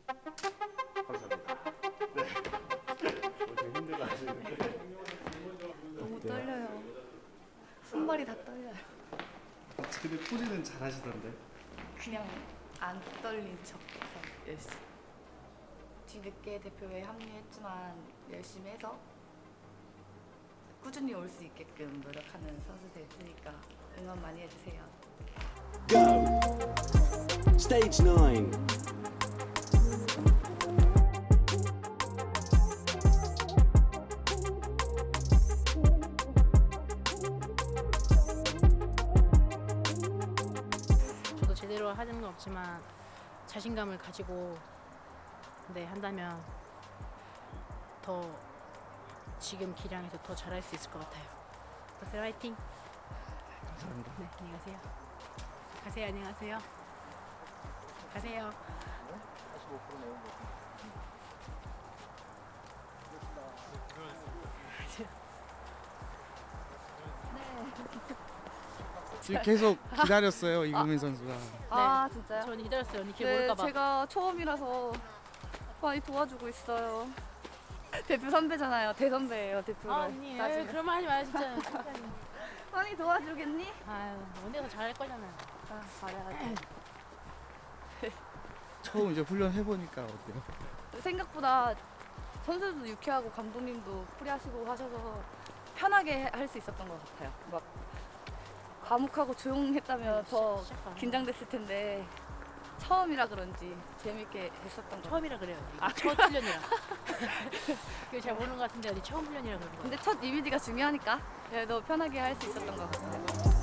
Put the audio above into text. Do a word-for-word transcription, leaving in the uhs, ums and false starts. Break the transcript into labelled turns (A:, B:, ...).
A: 감사합니다. 네. 엄청 힘들어 하시는데.
B: 너무 떨려요. 손발이 다 떨려요.
A: 근데 포즈는 잘 하시던데.
B: 그냥 안 떨린 척해서 열심히. 뒤늦게 대표에 합류했지만 열심히 해서 꾸준히 올 수 있게끔 노력하는 선수 될 테니까 응원 많이 해주세요.
C: Go! Stage nine.
D: 저도 제대로 하는 건 없지만 자신감을 가지고 네 한다면 더 지금 기량에서 더 잘할 수 있을 것 같아요. 가세요, 화이팅!
A: 감사합니다.
D: 네, 안녕히 가세요. 가세요, 안녕하세요. 가세요.
E: 지금 계속 기다렸어요 이금민 선수가.
B: 아 진짜요?
D: 저는 기다렸어요. 언니 길
B: 네,
D: 모를까봐.
B: 제가 처음이라서 많이 도와주고 있어요. 대표 선배잖아요. 대선배예요, 대표를.
D: 아 언니, 에이,
B: 따지면.
D: 그런 말 하지 마요 진짜.
B: 많이 도와주겠니?
D: 아유, 언니가 더 잘할 거잖아요.
B: 아, 잘해야지.
E: 처음 이제 훈련 해보니까 어때요?
B: 생각보다 선수들도 유쾌하고 감독님도 프리하시고 하셔서 편하게 할 수 있었던 것 같아요. 막 과묵하고 조용했다면 더
D: 시작- 시작하면.
B: 긴장됐을 텐데 처음이라 그런지 재밌게 했었던 것 같아요.
D: 처음이라 그래요. 아, 첫 훈련이라. 그걸 잘 모르는 것 같은데 언니 처음 훈련이라 그러는 거예요.
B: 근데 첫 이미지가 중요하니까 그래도 편하게 할 수 있었던 것 같아요.